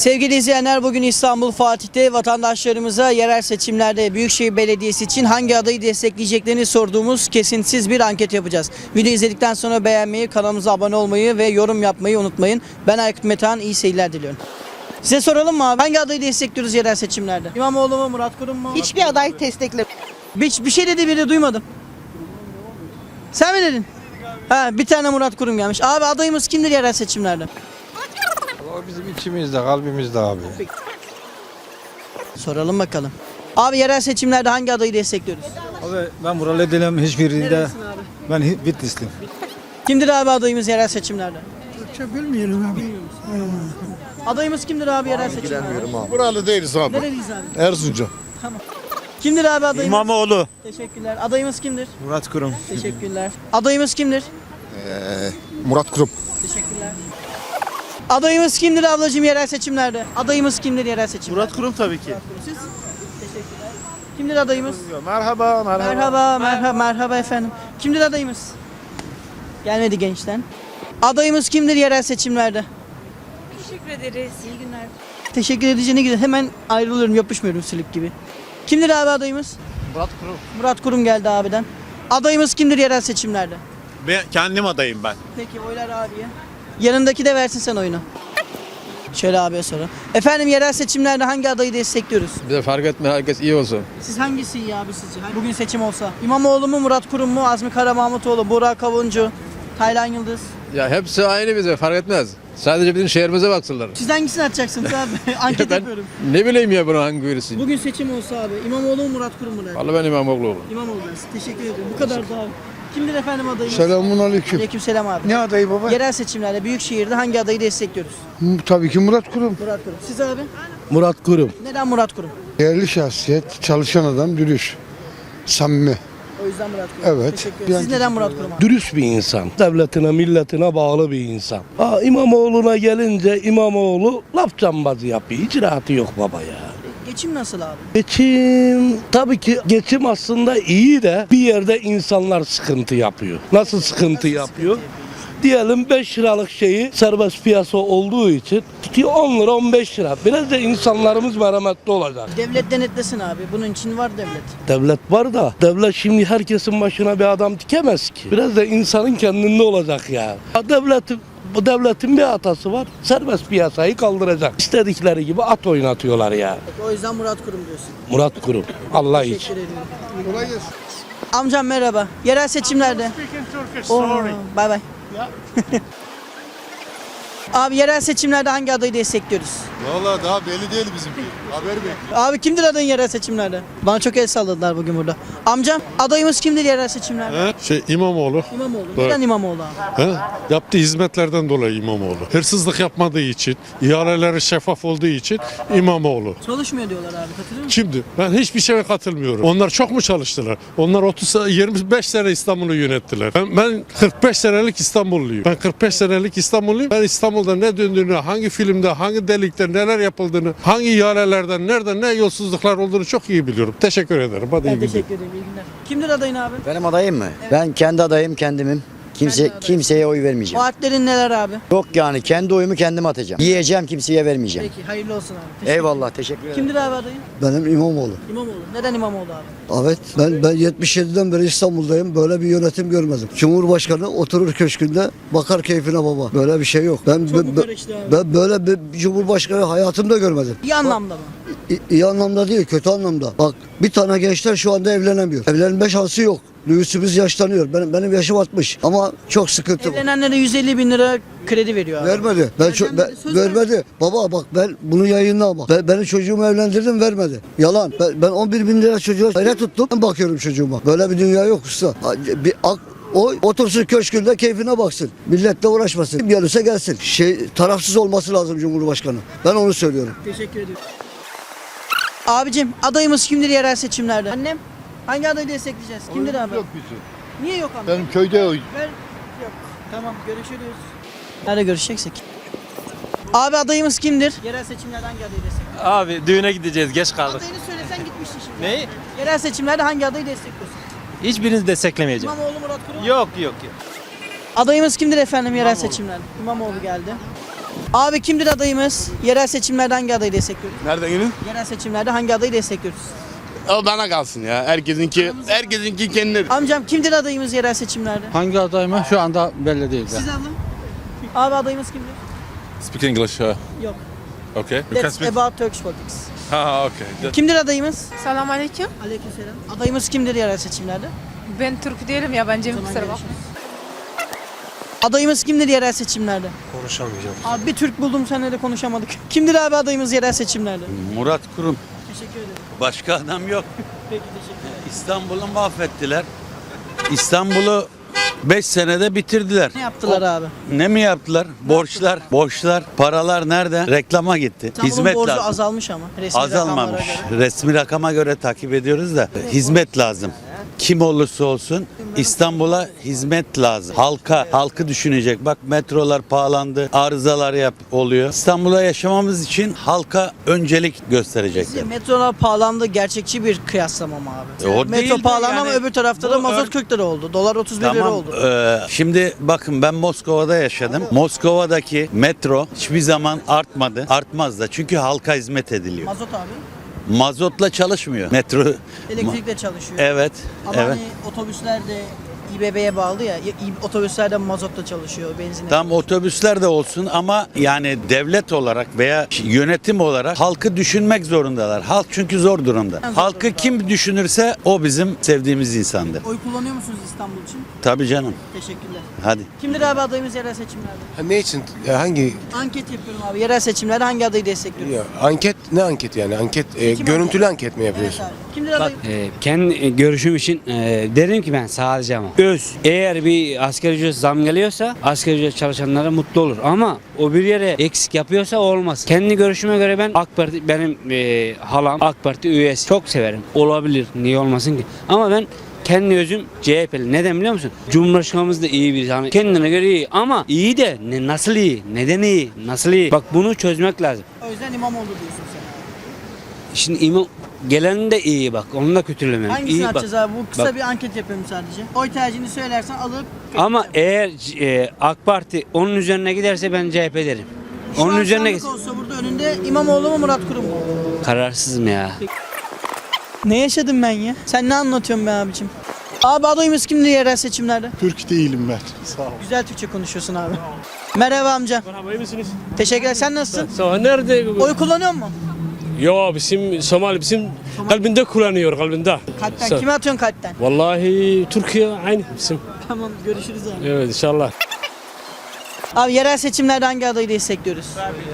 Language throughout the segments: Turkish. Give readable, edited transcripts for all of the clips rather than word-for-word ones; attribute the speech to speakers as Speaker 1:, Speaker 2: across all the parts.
Speaker 1: Sevgili izleyenler, bugün İstanbul Fatih'te vatandaşlarımıza yerel seçimlerde Büyükşehir Belediyesi için hangi adayı destekleyeceklerini sorduğumuz kesintisiz bir anket yapacağız. Video izledikten sonra beğenmeyi, kanalımıza abone olmayı ve yorum yapmayı unutmayın. Ben Aykut Metehan, iyi seyirler diliyorum. Size soralım mı abi? Hangi adayı destekliyoruz yerel seçimlerde? İmamoğlu mu, Murat Kurum mu?
Speaker 2: Hiçbir aday desteklemiyor.
Speaker 1: Bir şey dedi biri, duymadım. Sen mi dedin? Ha, bir tane Murat Kurum gelmiş. Abi adayımız kimdir yerel seçimlerde?
Speaker 3: O bizim içimizde, kalbimizde abi.
Speaker 1: Soralım bakalım. Abi yerel seçimlerde hangi adayı destekliyoruz?
Speaker 4: Abi ben buralı değilim hiçbirinde.
Speaker 1: Neresin abi?
Speaker 4: Ben Bitlisliyim.
Speaker 1: Kimdir abi adayımız yerel seçimlerde?
Speaker 5: Türkçe bilmiyorum abi.
Speaker 1: Adayımız kimdir abi yerel seçimlerde?
Speaker 6: Buralı değiliz abi.
Speaker 1: Nereliyiz abi?
Speaker 6: Erzincan.
Speaker 1: Kimdir abi adayımız?
Speaker 4: İmamoğlu.
Speaker 1: Teşekkürler. Adayımız kimdir?
Speaker 4: Murat Kurum.
Speaker 1: Teşekkürler. Adayımız kimdir?
Speaker 6: Murat Kurum.
Speaker 1: Teşekkürler. Adayımız kimdir ablacığım yerel seçimlerde? Adayımız kimdir yerel seçimlerde?
Speaker 4: Murat Kurum tabii ki.
Speaker 1: Siz? Teşekkürler. Kimdir adayımız?
Speaker 4: Merhaba,
Speaker 1: Merhaba efendim. Kimdir adayımız? Gelmedi gençten. Adayımız kimdir yerel seçimlerde?
Speaker 2: Teşekkür ederiz.
Speaker 1: İyi günler. Teşekkür edeceğine güzel. Hemen ayrılıyorum, yapışmıyorum sülük gibi. Kimdir abi adayımız?
Speaker 7: Murat Kurum.
Speaker 1: Murat Kurum geldi abiden. Adayımız kimdir yerel seçimlerde?
Speaker 7: Ben kendim adayım ben.
Speaker 1: Peki oylar abiye. Yanındaki de versin sen oyunu. Şöyle abiye soralım. Efendim yerel seçimlerde hangi adayı destekliyoruz?
Speaker 3: Bize fark etme, herkes iyi olsun.
Speaker 1: Siz hangisi iyi abi sizce? Bugün seçim olsa. İmamoğlu mu, Murat Kurum mu, Azmi Karamahmutoğlu, Burak Kavuncu, Taylan Yıldız.
Speaker 3: Ya hepsi aynı bize, fark etmez. Sadece bizim şehrimize baksınlar.
Speaker 1: Siz hangisini atacaksınız abi? Anket
Speaker 3: Ben
Speaker 1: yapıyorum.
Speaker 3: ne bileyim ya bunu hangi birisi.
Speaker 1: Bugün seçim olsa abi. İmamoğlu mu, Murat Kurum mu derdi?
Speaker 3: Vallahi ben İmamoğlu.
Speaker 1: İmamoğlu dersin. Teşekkür ederim. Bu kadar da abi. Kimdir efendim adayımız?
Speaker 5: Selamun aleyküm.
Speaker 1: Aleykümselam abi.
Speaker 5: Ne adayı baba?
Speaker 1: Yerel seçimlerde Büyükşehir'de hangi adayı destekliyoruz?
Speaker 5: Tabii ki Murat Kurum.
Speaker 1: Murat Kurum. Siz abi?
Speaker 5: Murat Kurum.
Speaker 1: Neden Murat Kurum?
Speaker 5: Değerli şahsiyet, çalışan adam, dürüst, samimi.
Speaker 1: O yüzden Murat Kurum.
Speaker 5: Evet.
Speaker 1: Teşekkür ederim. Siz neden Murat Kurum abi?
Speaker 8: Dürüst bir insan. Devletine, milletine bağlı bir insan. İmamoğlu'na gelince İmamoğlu laf cambazı yapıyor. Hiç rahatı yok baba ya.
Speaker 1: Geçim nasıl abi?
Speaker 8: Geçim, tabii ki geçim aslında iyi de bir yerde insanlar sıkıntı yapıyor. Nasıl sıkıntı yapıyor? Diyelim 5 liralık şeyi serbest piyasa olduğu için tutuyor 10 lira 15 lira. Biraz da insanlarımız merhametli olacak.
Speaker 1: Devlet denetlesin abi. Bunun için var devlet.
Speaker 8: Devlet var da devlet şimdi herkesin başına bir adam dikemez ki. Biraz da insanın kendinde olacak ya. Bu devletin bir hatası var. Serbest piyasayı kaldıracak. İstedikleri gibi at oynatıyorlar ya.
Speaker 1: O yüzden Murat Kurum diyorsun.
Speaker 8: Murat Kurum. Allah için.
Speaker 1: Teşekkür ederim. Amcam merhaba. Yerel seçimlerde. Bay bay. Abi yerel seçimlerde hangi adayı destekliyoruz?
Speaker 6: Valla daha belli değil bizimki. Haber bekliyor.
Speaker 1: Abi kimdir adayın yerel seçimlerde? Bana çok el salladılar bugün burada. Amcam adayımız kimdir yerel seçimlerde?
Speaker 6: İmamoğlu.
Speaker 1: İmamoğlu.
Speaker 6: Evet.
Speaker 1: Neden İmamoğlu abi?
Speaker 6: Yaptığı hizmetlerden dolayı İmamoğlu. Hırsızlık yapmadığı için, ihaleleri şeffaf olduğu için İmamoğlu.
Speaker 1: Çalışmıyor diyorlar abi, katılıyor musun?
Speaker 6: Şimdi ben hiçbir şeye katılmıyorum. Onlar çok mu çalıştılar? Onlar 25 sene İstanbul'u yönettiler. Ben 45 senelik İstanbulluyum. Ben 45 senelik İstanbulluyum. Ben İstanbul'da ne döndüğünü, hangi filmde, hangi delikte neler yapıldığını, hangi ihalelerden, nerede ne yolsuzluklar olduğunu çok iyi biliyorum. Teşekkür ederim. Hadi iyi
Speaker 1: Ben
Speaker 6: günler.
Speaker 1: teşekkür ederim. İyi günler. Kimdir adayın abi?
Speaker 9: Benim adayım mı?
Speaker 1: Evet.
Speaker 9: Ben kendi adayım kendimim.
Speaker 1: Kendi adayım.
Speaker 9: Kimseye oy vermeyeceğim.
Speaker 1: Vaatlerin neler abi?
Speaker 9: Yok yani kendi oyumu kendim atacağım. Yiyeceğim kimseye vermeyeceğim.
Speaker 1: Peki hayırlı olsun abi. Teşekkür
Speaker 9: Eyvallah teşekkür ederim.
Speaker 1: Kimdir abi adayın?
Speaker 10: Benim İmamoğlu.
Speaker 1: İmamoğlu. Neden İmamoğlu abi?
Speaker 10: Evet ben 77'den beri İstanbul'dayım. Böyle bir yönetim görmedim. Cumhurbaşkanı oturur köşkünde bakar keyfine baba. Böyle bir şey yok.
Speaker 1: Çok mu karıştı abi?
Speaker 10: Ben böyle bir cumhurbaşkanı hayatımda görmedim.
Speaker 1: İyi anlamda mı?
Speaker 10: İyi anlamda değil, kötü anlamda. Bak bir tane gençler şu anda evlenemiyor. Evlenme şansı yok. Nüfusumuz yaşlanıyor. Benim yaşım 60 ama çok sıkıntı var.
Speaker 1: Evlenenlere 150 bin lira kredi veriyor abi.
Speaker 10: Vermedi.
Speaker 1: Söz
Speaker 10: Vermedi. Baba bak ben bunu yayınlama. Benim çocuğumu evlendirdim vermedi. Yalan. Ben 11 bin lira çocuğa aile tuttum. Ben bakıyorum çocuğuma. Böyle bir dünya yok usta. Otursun köşkünde keyfine baksın. Milletle uğraşmasın. Kim gelirse gelsin. Tarafsız olması lazım Cumhurbaşkanı. Ben onu söylüyorum.
Speaker 1: Teşekkür ediyorum. Abicim adayımız kimdir yerel seçimlerde? Annem hangi adayı destekleyeceğiz? Kimdir abi?
Speaker 6: Yok bizim.
Speaker 1: Niye yok abi?
Speaker 6: Benim köyde oy.
Speaker 1: Yok. Tamam görüşürüz. Nerede görüşeceksek? Abi adayımız kimdir? Yerel seçimlerde hangi adayı destekliyorsun?
Speaker 7: Abi düğüne gideceğiz, geç kaldık.
Speaker 1: Adayını söylesen gitmiştin şimdi.
Speaker 7: Neyi?
Speaker 1: Yerel seçimlerde hangi adayı destekliyorsun?
Speaker 7: Hiçbirini desteklemeyeceğim.
Speaker 1: İmamoğlu, Murat Kurum.
Speaker 7: Yok.
Speaker 1: Adayımız kimdir efendim yerel seçimlerde? İmamoğlu geldi. Abi kimdir adayımız? Yerel seçimlerde hangi adayı destekliyoruz?
Speaker 3: Nereden gelin?
Speaker 1: Yerel seçimlerde hangi adayı destekliyoruz?
Speaker 3: O bana kalsın ya. Herkesinki kendine.
Speaker 1: Amcam kimdir adayımız yerel seçimlerde?
Speaker 4: Hangi aday mı? Şu anda belli değil.
Speaker 1: Siz abla? Abi adayımız kimdir?
Speaker 3: Speak English.
Speaker 1: Yok.
Speaker 3: Okay.
Speaker 1: That's about Turkish politics.
Speaker 3: Ha, okay.
Speaker 1: Kimdir adayımız?
Speaker 2: Selam aleyküm.
Speaker 1: Aleykümselam. Adayımız kimdir yerel seçimlerde?
Speaker 2: Ben Türk değilim, yabancıyım, kusura bakma.
Speaker 1: Adayımız kimdir yerel seçimlerde?
Speaker 7: Konuşamayacağım.
Speaker 1: Abi bir Türk buldum seninle de konuşamadık. Kimdir abi adayımız yerel seçimlerde?
Speaker 11: Murat Kurum.
Speaker 1: Teşekkür ederim.
Speaker 11: Başka adam yok.
Speaker 1: Peki teşekkür ederim.
Speaker 11: İstanbul'u mahvettiler. İstanbul'u 5 senede bitirdiler.
Speaker 1: Ne yaptılar abi?
Speaker 11: Ne mi yaptılar? Borçlar, paralar nerede? Reklama gitti.
Speaker 1: İstanbul'un
Speaker 11: Hizmet
Speaker 1: borcu
Speaker 11: lazım.
Speaker 1: azalmış ama. Resmi
Speaker 11: Azalmamış.
Speaker 1: rakamlara göre.
Speaker 11: Resmi rakama göre takip ediyoruz da hizmet lazım. Kim olursa olsun İstanbul'a hizmet lazım. Halkı düşünecek. Bak metrolar pahalandı, arızalar oluyor. İstanbul'a yaşamamız için halka öncelik gösterecekler.
Speaker 1: Metrolar pahalandı, gerçekçi bir kıyaslama mı abi?
Speaker 11: O
Speaker 1: Metro
Speaker 11: değil de
Speaker 1: pahalandı ama
Speaker 11: yani
Speaker 1: öbür tarafta da
Speaker 11: bu
Speaker 1: mazot 40 lira oldu. Dolar 31 lira oldu.
Speaker 11: Şimdi bakın ben Moskova'da yaşadım. Moskova'daki metro hiçbir zaman artmadı. Artmaz da çünkü halka hizmet ediliyor.
Speaker 1: Mazot abi.
Speaker 11: Mazotla çalışmıyor metro.
Speaker 1: Elektrikle çalışıyor.
Speaker 11: Evet.
Speaker 1: Ama
Speaker 11: evet.
Speaker 1: hani otobüsler de İBB'ye bağlı ya. Otobüsler de mazotla çalışıyor, benzinle.
Speaker 11: Tam otobüsler de olsun ama yani devlet olarak veya yönetim olarak halkı düşünmek zorundalar. Halk çünkü zor durumda.
Speaker 1: zor
Speaker 11: Halkı
Speaker 1: durumda.
Speaker 11: kim düşünürse o bizim sevdiğimiz insandır.
Speaker 1: Oy kullanıyor musunuz İstanbul için?
Speaker 11: Tabii canım.
Speaker 1: Teşekkürler.
Speaker 11: Hadi.
Speaker 1: Kimdir abi adayımız yerel seçimlerde?
Speaker 3: Ne için? Hangi?
Speaker 1: Anket yapıyorum abi. Yerel seçimlerde hangi adayı destekliyoruz?
Speaker 3: Anket ne anket yani? Anket
Speaker 1: görüntülü
Speaker 3: anket mi
Speaker 1: Evet abi. Kimdir adayım?
Speaker 12: Kendi görüşüm için derim ki ben sadece ama eğer bir asgari ücret zam geliyorsa asgari ücret çalışanlara mutlu olur ama o bir yere eksik yapıyorsa olmaz. Kendi görüşüme göre ben AK Parti benim halam AK Parti üyesi çok severim. Olabilir. Niye olmasın ki? Ama ben kendi özüm CHP'li. Neden biliyor musun? Cumhurbaşkanımız da iyi bir hani kendine göre iyi ama iyi de nasıl iyi? Neden iyi? Nasıl iyi? Bak bunu çözmek lazım.
Speaker 1: O yüzden İmamoğlu diyorsun sen.
Speaker 12: Şimdi imam gelen de iyi bak. Onu da kötülemiyorum.
Speaker 1: Hangisini
Speaker 12: İyi
Speaker 1: yapacağız
Speaker 12: bak.
Speaker 1: abi? Bu kısa
Speaker 12: Bak.
Speaker 1: bir anket yapıyorum sadece. Oy tercihini söylersen alıp...
Speaker 12: Ama eğer AK Parti onun üzerine giderse ben CHP derim.
Speaker 1: Şu
Speaker 12: Onun
Speaker 1: an
Speaker 12: üzerine
Speaker 1: sandık olsa burada önünde İmamoğlu mu Murat Kurum mu?
Speaker 12: kararsızım ya.
Speaker 1: Ne yaşadım ben ya? Sen ne anlatıyorsun be abicim? Abi adayımız kimdir yerel seçimlerde?
Speaker 5: Türk değilim ben. Sağ ol.
Speaker 1: Güzel Türkçe konuşuyorsun abi. Merhaba amca.
Speaker 13: Merhaba, iyi misiniz?
Speaker 1: Teşekkürler. Sen nasılsın?
Speaker 13: Sağ ol. Nerede?
Speaker 1: Oy kullanıyor musun?
Speaker 13: Yo, bizim Somali, bizim kalbinde kullanıyor, kalbinde.
Speaker 1: Kalpten.
Speaker 13: Sağ ol.
Speaker 1: Kime atıyorsun kalpten?
Speaker 13: Vallahi Türkiye aynı bizim.
Speaker 1: Tamam görüşürüz abi.
Speaker 13: Evet, inşallah.
Speaker 1: Abi yerel seçimlerde hangi adayı destekliyoruz?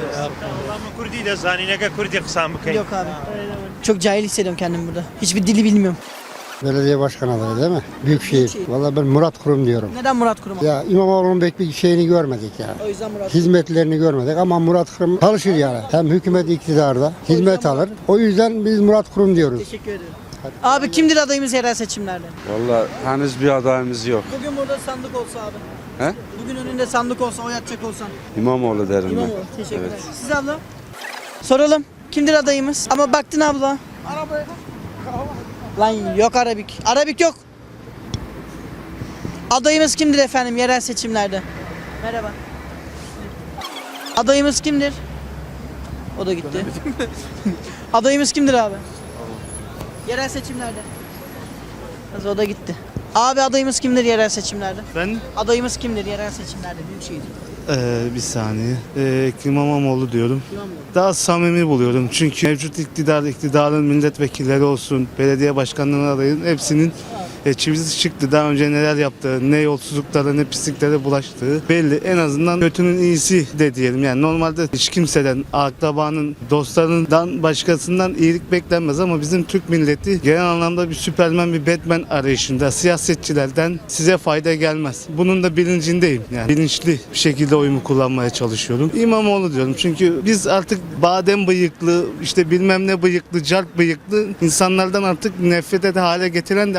Speaker 1: Yok abi. Çok cahil hissediyorum kendimi burada. Hiçbir dili bilmiyorum.
Speaker 5: Belediye başkan adayı değil mi? Büyükşehir. Vallahi ben Murat Kurum diyorum.
Speaker 1: Neden Murat Kurum?
Speaker 5: Ya İmamoğlu'nun pek bir şeyini görmedik ya.
Speaker 1: O yüzden Murat Kurum.
Speaker 5: Hizmetlerini görmedik ama Murat Kurum çalışır yani. Hem hükümet iktidarda hizmet alır. O yüzden biz Murat Kurum diyoruz.
Speaker 1: Teşekkür ederim. Abi kimdir adayımız yerel seçimlerde?
Speaker 4: Vallahi henüz bir adayımız yok.
Speaker 1: Bugün burada sandık olsa abi.
Speaker 4: He?
Speaker 1: Bugün önünde sandık olsa oy atacak olsan.
Speaker 4: İmamoğlu derim
Speaker 1: İmamoğlu. Teşekkürler. Siz abla? Soralım. Kimdir adayımız? Ama baktın abla. Arabaya lan yok Arabik. Arabik yok. Adayımız kimdir efendim yerel seçimlerde? Merhaba. Adayımız kimdir? O da gitti. Adayımız kimdir abi? Yerel seçimlerde. Az o da gitti. Abi adayımız kimdir yerel seçimlerde?
Speaker 4: Ben
Speaker 1: Adayımız kimdir yerel seçimlerde? Büyükşehir.
Speaker 4: bir saniye. Ekrem İmamoğlu diyorum. Daha samimi buluyorum. Çünkü mevcut iktidarın milletvekilleri olsun, belediye başkanlarının adayın hepsinin çivisi çıktı. Daha önce neler yaptığı, ne yolsuzluklara ne pisliklere bulaştığı belli. En azından kötünün iyisi de diyelim. Yani normalde hiç kimseden, akrabanın, dostlarından, başkasından iyilik beklenmez ama bizim Türk milleti genel anlamda bir Süperman, bir Batman arayışında. Siyasetçilerden size fayda gelmez. Bunun da bilincindeyim. Yani bilinçli bir şekilde oyumu kullanmaya çalışıyorum. İmamoğlu diyorum. Çünkü biz artık badem bıyıklı, işte bilmem ne bıyıklı, calp bıyıklı insanlardan artık nefret eden hale getiren de aynı şekilde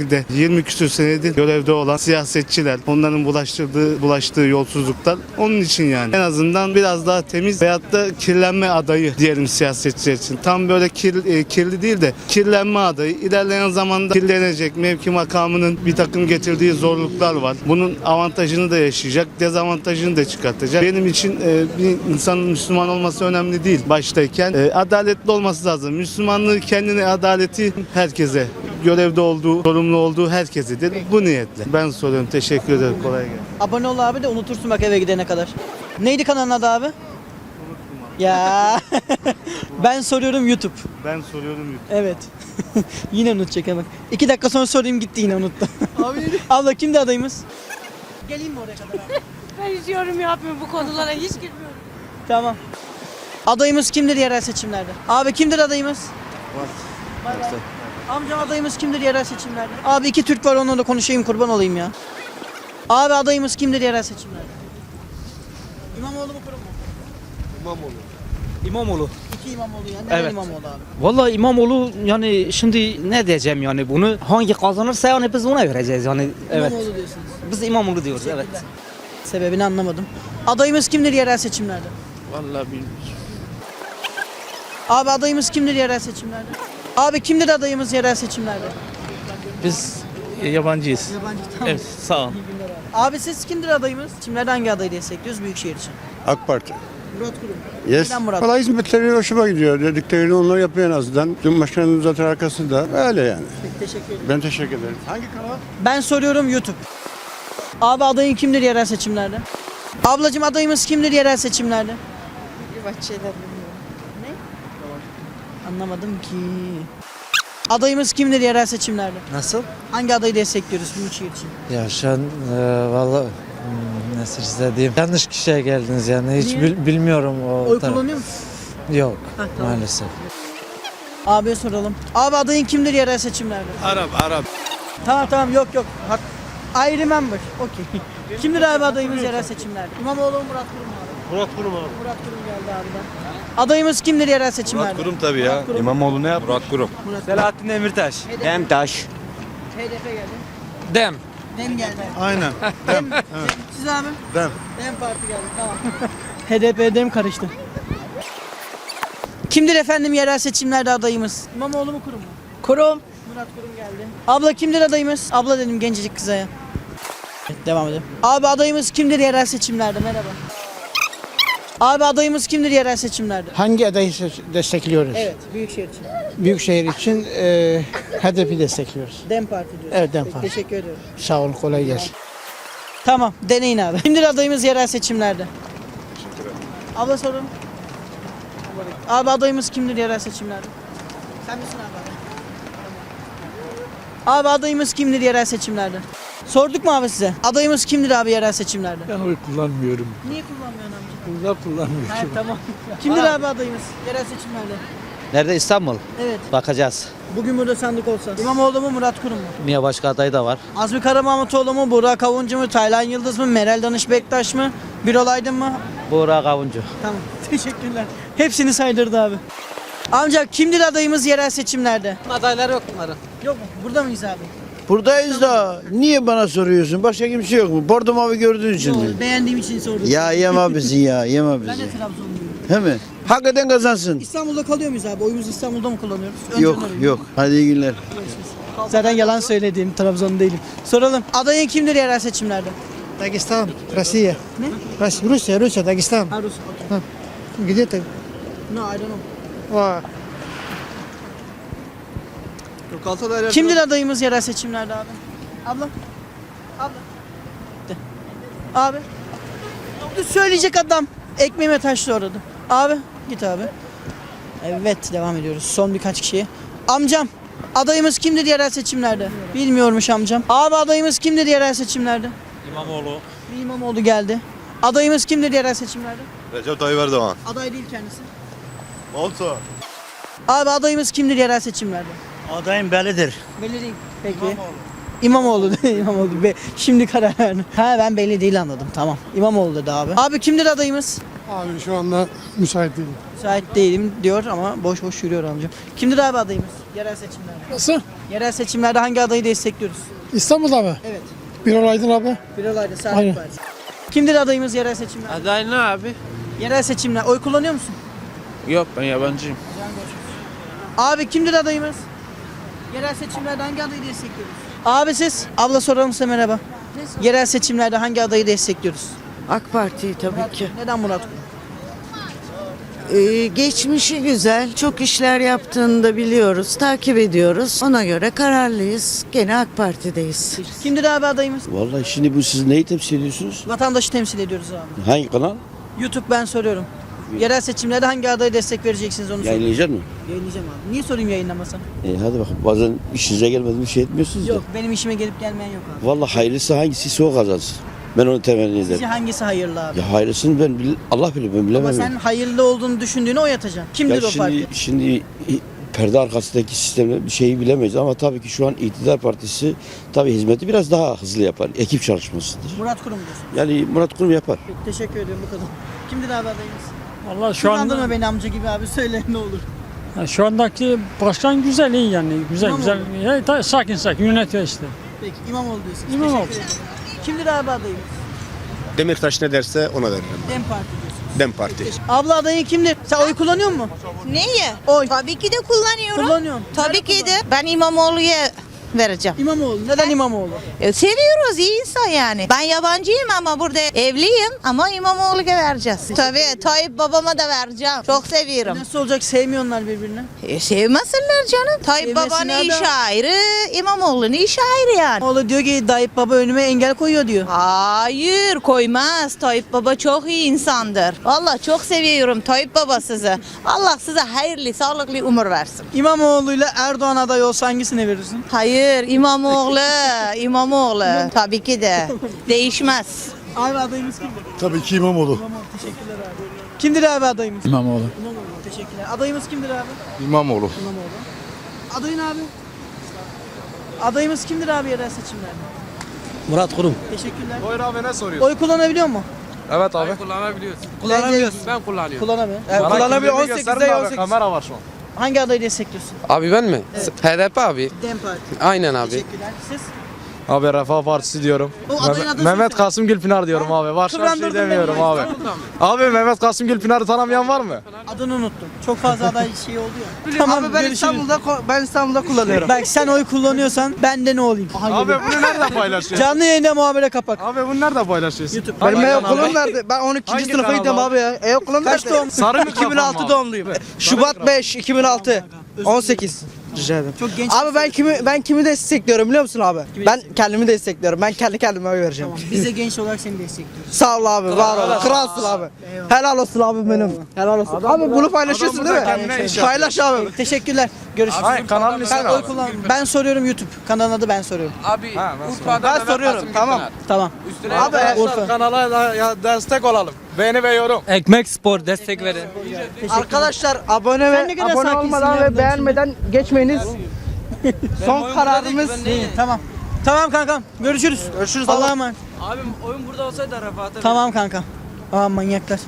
Speaker 4: Parti''de 20 küsür senedir görevde olan siyasetçiler, onların bulaştığı yolsuzluklar, onun için yani. En azından biraz daha temiz veyahut da kirlenme adayı diyelim siyasetçiler için. Tam böyle kirli değil de kirlenme adayı. İlerleyen zamanda kirlenecek, mevki makamının bir takım getirdiği zorluklar var. Bunun avantajını da yaşayacak, dezavantajını da çıkartacak. Benim için bir insanın Müslüman olması önemli değil baştayken. Adaletli olması lazım. Müslümanlığı kendine, adaleti herkese, görevde olduğu, sorumlu olduğu herkesedir. Bu niyetle. Ben soruyorum. Teşekkür ederim. Kolay gelsin.
Speaker 1: Abone ol abi de unutursun bak eve gidene kadar. Neydi kanalın adı abi? Ya ben soruyorum YouTube.
Speaker 4: Ben soruyorum.
Speaker 1: Evet. Yine unutacak hemen. 2 dakika sonra sorayım gitti yine unuttu. Abla kimdi adayımız? Geleyim mi oraya kadar abi?
Speaker 2: Ben hiç yorum yapmıyorum bu konulara hiç girmiyorum.
Speaker 1: Tamam. Adayımız kimdir yerel seçimlerde? Abi kimdir adayımız? Var. Amcam adayımız kimdir yerel seçimlerde? Abi 2 Türk var onunla da konuşayım kurban olayım ya. Abi adayımız kimdir yerel seçimlerde? İmamoğlu mu kurum mu?
Speaker 12: İmamoğlu.
Speaker 1: 2 İmamoğlu yani. Neden
Speaker 12: Evet.
Speaker 1: İmamoğlu abi?
Speaker 12: Vallahi İmamoğlu yani şimdi ne diyeceğim yani bunu hangi kazanırsa yani biz ona vereceğiz yani. Evet.
Speaker 1: İmamoğlu diyorsunuz.
Speaker 12: Biz İmamoğlu diyoruz evet.
Speaker 1: Sebebini anlamadım. Adayımız kimdir yerel seçimlerde?
Speaker 13: Vallahi bilmiyorum.
Speaker 1: Abi adayımız kimdir yerel seçimlerde? Abi kimdir adayımız yerel seçimlerde?
Speaker 13: Biz yabancıyız.
Speaker 1: Yabancı tamam.
Speaker 13: Evet sağ ol.
Speaker 1: Abi siz kimdir adayımız? Seçimlerde hangi adayı destekliyoruz Büyükşehir için?
Speaker 5: AK Parti.
Speaker 1: Murat Kurum.
Speaker 5: Yes.
Speaker 1: Neden Murat?
Speaker 5: Valla hizmetleri hoşuma gidiyor. Dediklerini onlar yapıyor en azından. Cumhurbaşkanımız zaten arkasında. Öyle yani.
Speaker 1: Teşekkür ederim.
Speaker 5: Ben teşekkür ederim. Hangi kanal?
Speaker 1: Ben soruyorum YouTube. Abi adayın kimdir yerel seçimlerde? Ablacım adayımız kimdir yerel seçimlerde?
Speaker 2: Bahçeler bilmiyorum.
Speaker 1: Anlamadım ki. Adayımız kimdir yerel seçimlerde?
Speaker 12: Nasıl?
Speaker 1: Hangi adayı destekliyoruz Büyükşehir için?
Speaker 12: Ya şu an valla nasıl size diyeyim. Yanlış kişiye geldiniz yani hiç
Speaker 1: Niye?
Speaker 12: bilmiyorum o
Speaker 1: Oy
Speaker 12: taraf.
Speaker 1: kullanıyor musun?
Speaker 12: Yok
Speaker 1: Tamam.
Speaker 12: maalesef.
Speaker 1: Abiye soralım. Abi adayın kimdir yerel seçimlerde?
Speaker 3: Arap.
Speaker 1: Tamam yok. I remember. Okey. Kimdir abi adayımız yerel seçimlerde? İmamoğlu mu Murat Kurum mu abi?
Speaker 13: Murat Kurum abi.
Speaker 1: Murat Kurum geldi abiden. Adayımız kimdir yerel seçimlerde?
Speaker 3: tabii ya.
Speaker 1: Murat Kurum.
Speaker 3: İmamoğlu ne yap? Murat Kurum.
Speaker 12: Selahattin Demirtaş.
Speaker 11: Demtaş.
Speaker 1: HDP geldi.
Speaker 12: Dem.
Speaker 1: Dem geldi.
Speaker 4: Aynen.
Speaker 1: Dem. Siz abi?
Speaker 4: Dem.
Speaker 1: Dem Parti geldi tamam. HDP Dem karıştı. Kimdir efendim yerel seçimlerde adayımız? İmamoğlu mu Kurum mu?
Speaker 2: Kurum.
Speaker 1: Murat Kurum geldi. Abla kimdir adayımız? Abla dedim gencecik kıza ya. Evet, devam edelim. Abi adayımız kimdir yerel seçimlerde? Merhaba. Abi adayımız kimdir yerel seçimlerde?
Speaker 10: Hangi adayı destekliyoruz?
Speaker 1: Evet, Büyükşehir için.
Speaker 10: Büyükşehir için HDP destekliyoruz.
Speaker 1: Dem Parti diyoruz.
Speaker 10: Evet, Dem
Speaker 1: Peki,
Speaker 10: Parti.
Speaker 1: teşekkür ediyorum.
Speaker 10: Sağ olun, kolay gelsin.
Speaker 1: Tamam, deneyin abi. Kimdir adayımız yerel seçimlerde? Abla sorun. Abi adayımız kimdir yerel seçimlerde? Sen misin abi? Abi adayımız kimdir yerel seçimlerde? Sorduk mu abi size? Adayımız kimdir abi yerel seçimlerde?
Speaker 13: Ben oy kullanmıyorum.
Speaker 1: Niye kullanmıyorsun amca?
Speaker 13: Burada kullanmıyorum.
Speaker 1: Ha, tamam. Kimdir abi adayımız yerel seçimlerde?
Speaker 12: Nerede İstanbul?
Speaker 1: Evet.
Speaker 12: Bakacağız.
Speaker 1: Bugün burada sandık olsa. İmamoğlu mu Murat Kurum mu?
Speaker 12: Niye başka aday da var?
Speaker 1: Azmi Karamahmutoğlu mu? Burak Avuncu mu? Taylan Yıldız mı? Meral Danış Bektaş mı? Birol Aydın mı?
Speaker 12: Burak Avuncu.
Speaker 1: Tamam. Teşekkürler. Hepsini saydırdı abi. Amca kimdir adayımız yerel seçimlerde?
Speaker 12: Adaylar yok bunların.
Speaker 1: Yok mu? Burada mıyız abi?
Speaker 10: Buradayız da niye bana soruyorsun? Başka kimse yok mu? Bordo mavi gördüğün için mi?
Speaker 1: Yok, beğendiğim için sordum.
Speaker 10: Ya yeme bizi ya, yeme
Speaker 1: Ben
Speaker 10: bizi.
Speaker 1: de Trabzonluyum.
Speaker 10: He mi? Hakikaten kazansın.
Speaker 1: İstanbul'da kalıyor muyuz abi? Oyumuzu İstanbul'da mı kullanıyoruz? Önceden
Speaker 10: Yok,
Speaker 1: öyle.
Speaker 10: yok. Hadi iyi günler.
Speaker 1: Zaten yalan söylediğim Trabzon değilim. Soralım. Adayın kimdir yerel seçimlerde?
Speaker 10: Dagestan, Rusya.
Speaker 1: Ne?
Speaker 10: Rusya, Dagestan.
Speaker 1: Ha, Rus. Okay.
Speaker 10: Gidiyor tabii.
Speaker 1: No, I don't know. Kimdir adayımız yerel seçimlerde abi? Abla. De. Abi. Söyleyecek adam. Ekmeğime taşlı oradı. Abi. Git abi. Evet devam ediyoruz. Son birkaç kişiye. Amcam. Adayımız kimdir yerel seçimlerde? Bilmiyormuş amcam. Abi adayımız kimdir yerel seçimlerde?
Speaker 13: İmamoğlu.
Speaker 1: Bir İmamoğlu geldi. Adayımız kimdir yerel seçimlerde?
Speaker 3: Recep Tayyip Erdoğan.
Speaker 1: Aday değil kendisi.
Speaker 3: Olsa.
Speaker 1: Abi adayımız kimdir yerel seçimlerde?
Speaker 10: Adayım bellidir.
Speaker 1: Belli değil. Peki. İmamoğlu değil İmamoğlu. Şimdi karar verdim. Ha ben belli değil anladım. Tamam. İmamoğlu dedi abi. Abi kimdir adayımız?
Speaker 5: Abi şu anda müsait değilim.
Speaker 1: Müsait değilim diyor ama boş boş yürüyor amcam. Kimdir abi adayımız yerel seçimlerde?
Speaker 5: Nasıl?
Speaker 1: Yerel seçimlerde hangi adayı destekliyoruz?
Speaker 5: İstanbul'da mı?
Speaker 1: Evet.
Speaker 5: Birol Aydın abi.
Speaker 1: Birol Aydın, Saadet
Speaker 5: Aynen.
Speaker 1: Partisi. Kimdir adayımız yerel seçimlerde?
Speaker 13: Aday ne abi?
Speaker 1: Yerel seçimler. Oy kullanıyor musun?
Speaker 13: Yok ben yabancıyım.
Speaker 1: Abi kimdir adayımız? Yerel seçimlerde hangi adayı destekliyoruz? Abi siz? Abla soralım size merhaba. Yerel seçimlerde hangi adayı destekliyoruz?
Speaker 2: AK Parti'yi tabii ki.
Speaker 1: Neden Murat Kurum?
Speaker 2: Geçmişi güzel. Çok işler yaptığını da biliyoruz. Takip ediyoruz. Ona göre kararlıyız. Gene AK Parti'deyiz.
Speaker 1: Kimdir abi adayımız?
Speaker 10: Vallahi şimdi bu siz neyi temsil ediyorsunuz?
Speaker 1: Vatandaşı temsil ediyoruz abi.
Speaker 10: Hangi kanal?
Speaker 1: YouTube ben soruyorum. Yerel seçimlerde hangi adaya destek vereceksiniz onu soruyorum.
Speaker 10: Yayınlayacak mı?
Speaker 1: Yayınlayacağım abi. Niye sorayım yayınlamasam?
Speaker 10: Hadi bakalım bazen işinize gelmedi bir şey etmiyorsunuz
Speaker 1: Yok benim işime gelip gelmeyen yok abi.
Speaker 10: Vallahi hayırlısı hangisi o kazansın. Ben onu temenni ederim.
Speaker 1: Sizce hangisi hayırlı abi?
Speaker 10: Ya hayırlısını Allah bilir ben bilemem.
Speaker 1: Ama sen hayırlı olduğunu düşündüğüne oy atacaksın. Kimdir o parti?
Speaker 10: Şimdi perde arkasındaki sistemde bir şeyi bilemeyiz ama tabii ki şu an iktidar partisi tabii hizmeti biraz daha hızlı yapar. Ekip çalışmasıdır.
Speaker 1: Murat Kurum diyorsun.
Speaker 10: Yani Murat Kurum yapar.
Speaker 1: Peki, teşekkür ediyorum bu kadar. Kimdir abi adayımız?
Speaker 13: Vallahi şu
Speaker 1: Kullandırma
Speaker 13: anda
Speaker 1: beni amca gibi abi söyle ne olur.
Speaker 13: şu andaki başkan güzel iyi yani güzel
Speaker 1: İmamoğlu.
Speaker 13: güzel. Sakin yönetiyor işte.
Speaker 1: Peki İmamoğlu diyorsunuz.
Speaker 13: İmamoğlu.
Speaker 1: Teşekkür ederim. Kimdir abi adayımız?
Speaker 3: Demirtaş ne derse ona derim.
Speaker 1: DEM Parti diyorsunuz.
Speaker 3: Dem Parti.
Speaker 1: Abla adayı kimdir? Sen oy kullanıyor musun?
Speaker 2: Neyi?
Speaker 1: Oy.
Speaker 2: Tabii ki de kullanıyorum.
Speaker 1: Kullanıyorsun.
Speaker 2: Tabii
Speaker 1: Nerede
Speaker 2: ki de.
Speaker 1: kullanıyorsun?
Speaker 2: Ben İmamoğlu'ya vereceğim.
Speaker 1: İmamoğlu. Neden İmamoğlu?
Speaker 2: Seviyoruz iyi insan yani. Ben yabancıyım ama burada evliyim ama İmamoğlu'ya vereceğiz. Tabii Tayyip babama da vereceğim. Çok seviyorum.
Speaker 1: Nasıl olacak sevmiyorlar birbirini?
Speaker 2: Sevmesinler canım. Tayyip babanın
Speaker 1: Sevmesinler de-
Speaker 2: işi ayrı, İmamoğlu'nun işi ayrı yani.
Speaker 1: Oğlu diyor ki Tayyip Baba önüme engel koyuyor diyor.
Speaker 2: Hayır koymaz. Tayyip Baba çok iyi insandır. Vallahi çok seviyorum Tayyip Baba sizi. Allah size hayırlı, sağlıklı umur versin.
Speaker 1: İmamoğlu'yla Erdoğan aday olsa hangisine verirsin?
Speaker 2: Hayır İmamoğlu, İmamoğlu. Tabii ki de. Değişmez.
Speaker 1: Abi adayımız kimdir?
Speaker 5: Tabii ki İmamoğlu.
Speaker 1: İmamoğlu. Teşekkürler abi. Kimdir abi adayımız?
Speaker 3: İmamoğlu.
Speaker 1: İmamoğlu. Teşekkürler. Adayımız kimdir abi?
Speaker 3: İmamoğlu.
Speaker 1: İmamoğlu. Adayın abi? Adayımız kimdir abi yerel seçimlerde?
Speaker 12: Murat Kurum.
Speaker 1: Teşekkürler.
Speaker 3: Buyur abi ne soruyorsun?
Speaker 1: Oy kullanabiliyor mu?
Speaker 3: Evet abi.
Speaker 1: Kullanabiliyorsun.
Speaker 13: Ben kullanıyorum.
Speaker 1: Kullanamıyor.
Speaker 3: Kullanabiliyor 18'de 18. Kamera var şu an.
Speaker 1: Hangi adayı destekliyorsun?
Speaker 13: Abi ben mi?
Speaker 1: Evet.
Speaker 13: HDP abi.
Speaker 1: DEM Parti.
Speaker 13: Aynen abi.
Speaker 1: Teşekkürler. Siz?
Speaker 3: Abi Refah Partisi diyorum.
Speaker 1: O adayın adı
Speaker 3: Mehmet
Speaker 1: söyle.
Speaker 3: Kasım Gülpınar diyorum abi. Başka bir şey
Speaker 1: Kıvrandırdın
Speaker 3: demiyorum
Speaker 1: beni.
Speaker 3: abi. Abi Mehmet Kasım Gülpınar'ı tanımayan var mı?
Speaker 1: Adını unuttum. Çok fazla aday şey oldu ya. Tamam abi ben İstanbul'da kullanıyorum. Bak sen oy kullanıyorsan ben de ne olayım? Aha,
Speaker 3: Abi
Speaker 1: geliyor.
Speaker 3: bunu nerede paylaşıyorsun?
Speaker 1: Canlı yayında muhabere kapak.
Speaker 3: Abi bunu nerede paylaşıyorsun?
Speaker 1: YouTube.
Speaker 3: Benim
Speaker 5: okulum nerede? Ben 12.
Speaker 3: Hangi sınıfa gidiyorum abi
Speaker 5: ya. Okulum
Speaker 1: Kaç doğum?
Speaker 3: Sarı mikrofon mu abi?
Speaker 5: doğumluyum. Şubat 5 2006. 18. Rica ederim.
Speaker 1: Çok genç.
Speaker 5: Abi ben kimi destekliyorum biliyor musun abi? Ben kendimi destekliyorum. Ben kendi kendime oy vereceğim.
Speaker 1: Tamam. Biz de genç olarak seni destekliyoruz.
Speaker 5: Sağ ol abi, var ol. Kralsın abi. Helal olsun abi benim. Helal olsun. Abi bunu paylaşıyorsun
Speaker 3: adam
Speaker 5: değil
Speaker 3: burada
Speaker 5: mi?
Speaker 3: kendine iş
Speaker 5: Paylaş abi.
Speaker 1: Teşekkürler. Görüşürüz.
Speaker 3: Hayır kanalın ismi
Speaker 1: Ben
Speaker 3: ne
Speaker 1: oy
Speaker 3: abi?
Speaker 1: kullan. Ben soruyorum YouTube. Kanalın adı ben soruyorum.
Speaker 13: Abi
Speaker 5: Ben soruyorum. Tamam.
Speaker 1: Tamam.
Speaker 3: Abi
Speaker 1: Urfa.
Speaker 3: kanala destek olalım. Beğeni ve yorum.
Speaker 13: Ekmek Spor destek verin.
Speaker 5: Arkadaşlar abone
Speaker 1: Sen ne kadar sakinsin
Speaker 5: olmadan
Speaker 1: ya,
Speaker 5: ve beğenmeden geçmeyiniz. Son kararımız.
Speaker 1: İyi, tamam. Tamam kankam. Görüşürüz.
Speaker 5: Görüşürüz.
Speaker 1: Allah'a emanet.
Speaker 13: Abim oyun burada olsaydı Rafat'a.
Speaker 1: Tamam kanka. Aa manyaklar.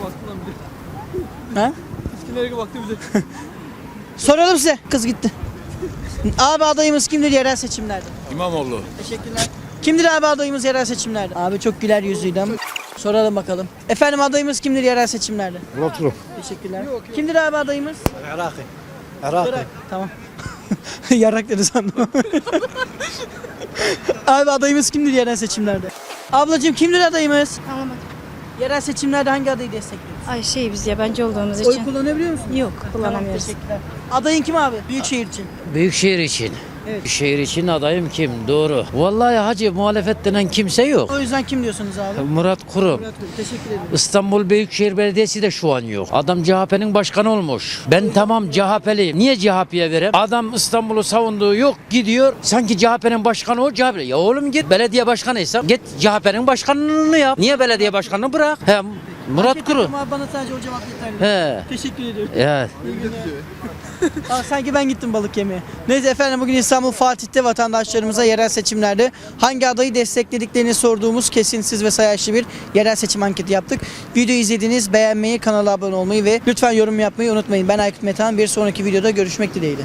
Speaker 1: Ha?
Speaker 13: Nereye baktı bize?
Speaker 1: Soralım size. Kız gitti. Abi adayımız kimdir yerel seçimlerde?
Speaker 3: İmamoğlu.
Speaker 1: Teşekkürler. Kimdir abi adayımız yerel seçimlerde? Abi çok güler yüzlüydü ama. Soralım bakalım. Efendim adayımız kimdir yerel seçimlerde?
Speaker 5: Murat Kurum.
Speaker 1: Teşekkürler. Kimdir abi adayımız?
Speaker 5: Herhalde.
Speaker 1: Irak. Tamam. Yarak dedi sandım. Abi adayımız kimdir yerel seçimlerde? Ablacığım kimdir adayımız?
Speaker 2: Tamam.
Speaker 1: Yerel seçimlerde hangi adayı destekliyoruz?
Speaker 2: Ay biz yabancı olduğumuz
Speaker 1: Oy kullanabiliyor musun?
Speaker 2: yok
Speaker 1: Tamam, teşekkürler. Adayın kim abi? Büyükşehir için.
Speaker 12: Büyükşehir için.
Speaker 1: Evet.
Speaker 12: Büyükşehir için adayım kim? Doğru. Vallahi hacı muhalefet denen kimse yok.
Speaker 1: O yüzden kim diyorsunuz abi?
Speaker 12: Murat Kurum.
Speaker 1: Murat Kurum. Teşekkür ederim.
Speaker 12: İstanbul Büyükşehir Belediyesi de şu an yok. Adam CHP'nin başkanı olmuş. Ben tamam CHP'liyim. Niye CHP'ye vereyim? Adam İstanbul'u savunduğu yok. Gidiyor. Sanki CHP'nin başkanı o CHP. Ya oğlum git belediye başkanıysan git CHP'nin başkanlığını yap. Niye belediye başkanını bırak? Hem
Speaker 1: Murat Kuru. Ama bana sadece o cevap yeterli. Teşekkür ediyorum.
Speaker 12: Evet.
Speaker 1: Sanki ben gittim balık yemeye. Neyse efendim, bugün İstanbul Fatih'te vatandaşlarımıza yerel seçimlerde hangi adayı desteklediklerini sorduğumuz kesintisiz ve sayaçlı bir yerel seçim anketi yaptık. Videoyu izlediniz, beğenmeyi, kanala abone olmayı ve lütfen yorum yapmayı unutmayın. Ben Aykut Metehan, bir sonraki videoda görüşmek dileğiyle.